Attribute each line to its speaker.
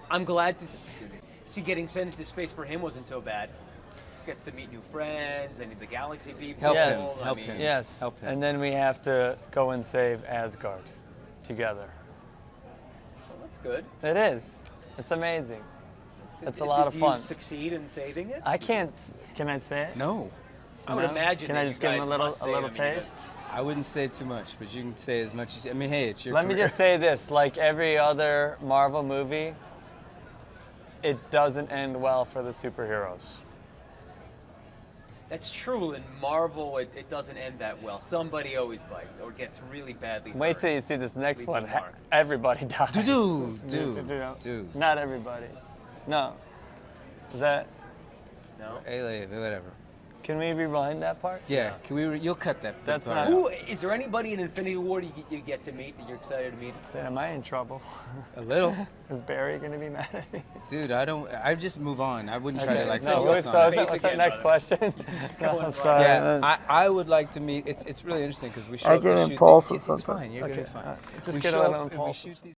Speaker 1: I'm glad to see getting sent into space for him wasn't so bad. Gets to meet new friends and the galaxy people.
Speaker 2: Help
Speaker 3: Yes.
Speaker 2: him.
Speaker 1: I
Speaker 2: Help
Speaker 1: mean,
Speaker 2: him.
Speaker 3: Yes.
Speaker 2: Help him.
Speaker 3: And then we have to go and save Asgard together.
Speaker 1: Well, that's good.
Speaker 3: It is. It's amazing.
Speaker 1: That's good.
Speaker 3: It's a lot of
Speaker 1: Do
Speaker 3: fun.
Speaker 1: you succeed in saving it?
Speaker 3: I can't. Can I say it?
Speaker 2: No,
Speaker 1: I would
Speaker 3: No?
Speaker 1: imagine.
Speaker 3: Can
Speaker 1: that
Speaker 3: I
Speaker 1: you
Speaker 3: just give him a
Speaker 1: guys
Speaker 3: little
Speaker 1: must
Speaker 3: a
Speaker 1: save
Speaker 3: little
Speaker 1: him. I mean,
Speaker 3: taste?
Speaker 2: I wouldn't say too much, but you can say as much as. I mean, hey, it's your.
Speaker 3: Let me
Speaker 2: career.
Speaker 3: just say this: like every other Marvel movie, it doesn't end well for the superheroes.
Speaker 1: That's true. In Marvel, it doesn't end that well. Somebody always bites or gets really badly hurt.
Speaker 3: Wait till you see this next
Speaker 1: Leaves a
Speaker 3: one.
Speaker 1: mark.
Speaker 3: Everybody dies.
Speaker 2: Dude.
Speaker 3: Not everybody. No. Is that?
Speaker 1: No.
Speaker 2: Hey, whatever.
Speaker 3: Can we rewind that part?
Speaker 2: Yeah, can we? You'll cut that.
Speaker 3: That's
Speaker 2: part
Speaker 3: not-
Speaker 2: out.
Speaker 1: Who is there? Anybody in Infinity War you get to meet that you're excited to meet?
Speaker 3: Then am I in trouble?
Speaker 2: A little,
Speaker 3: Is Barry gonna be mad at me?
Speaker 2: dude. I just move on. I wouldn't try to like
Speaker 3: no,
Speaker 2: focus
Speaker 3: so
Speaker 2: on it.
Speaker 3: what's that
Speaker 1: Again,
Speaker 3: next
Speaker 1: brother.
Speaker 3: question? No,
Speaker 1: going
Speaker 3: I'm sorry.
Speaker 2: Yeah, I would like to meet. It's really interesting because we show
Speaker 3: I
Speaker 2: up
Speaker 3: get
Speaker 2: to shoot
Speaker 3: impulsive
Speaker 2: these, it's
Speaker 3: sometimes.
Speaker 2: fine. You're
Speaker 3: Okay,
Speaker 2: gonna be fine.
Speaker 3: all right. Just
Speaker 2: We
Speaker 3: get
Speaker 2: show
Speaker 3: a
Speaker 2: up
Speaker 3: little
Speaker 2: and we
Speaker 3: impulsive.
Speaker 2: shoot these.